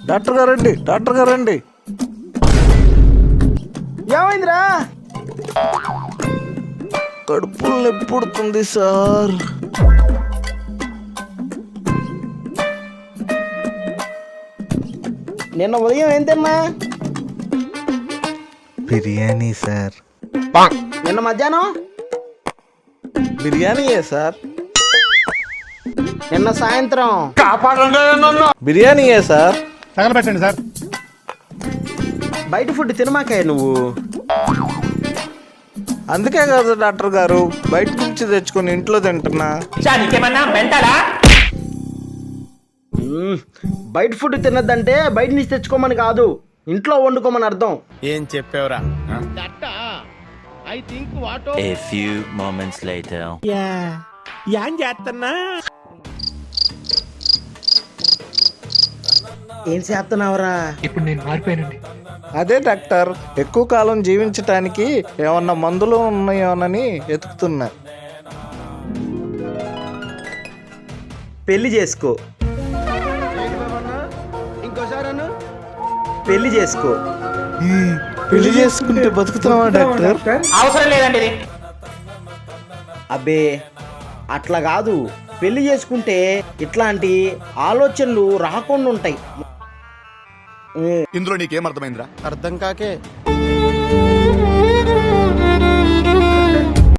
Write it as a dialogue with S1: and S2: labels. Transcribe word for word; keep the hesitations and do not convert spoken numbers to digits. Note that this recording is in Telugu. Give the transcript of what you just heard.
S1: డాక్టర్ గారండి, డాక్టర్ గారండి.
S2: ఏమైందిరా?
S1: కడుపులు నొప్పి పుడుతుంది సార్.
S2: నిన్న ఉదయం ఏం తిన్నా?
S1: బిర్యానీ సార్.
S2: నిన్న మధ్యాహ్నం?
S1: బిర్యానీయే సార్.
S2: నిన్న సాయంత్రం?
S1: బిర్యానీయే సార్.
S3: తగలబెట్టండి సార్.
S2: బయట ఫుడ్ తినమాకాయ నువ్వు.
S1: అందుకే కదా డాక్టర్ గారు బయట నుంచి తెచ్చుకొని ఇంట్లో తింటున్నా.
S2: మ్మ్. బయట ఫుడ్ తినద్దంటే బయట నుంచి తెచ్చుకోమని కాదు, ఇంట్లో వండుకోమని అర్థం.
S3: ఏం చెప్పావురా?
S4: A few moments later.
S2: ఏం చేస్తున్నావురా?
S5: ఇప్పుడు నేను మారిపోయానండి.
S1: అదే డాక్టర్, ఎక్కువ కాలం జీవించటానికి ఏమన్నా మందులు ఉన్నాయోనని వెతుకుతున్నా.
S2: పెళ్లి చేసుకో. ఇంకోసారి పెళ్లి చేసుకో.
S1: పెళ్లి చేసుకుంటే బతుకుతున్నావా డాక్టర్?
S5: అవసరం లేదండి ఇది.
S2: అబ్బే అట్లా కాదు, పెళ్లి చేసుకుంటే ఇట్లాంటి ఆలోచనలు రాకుండా ఉంటాయి.
S3: ఇందులో నీకేం అర్థమైందిరా?
S2: అర్థం కాకే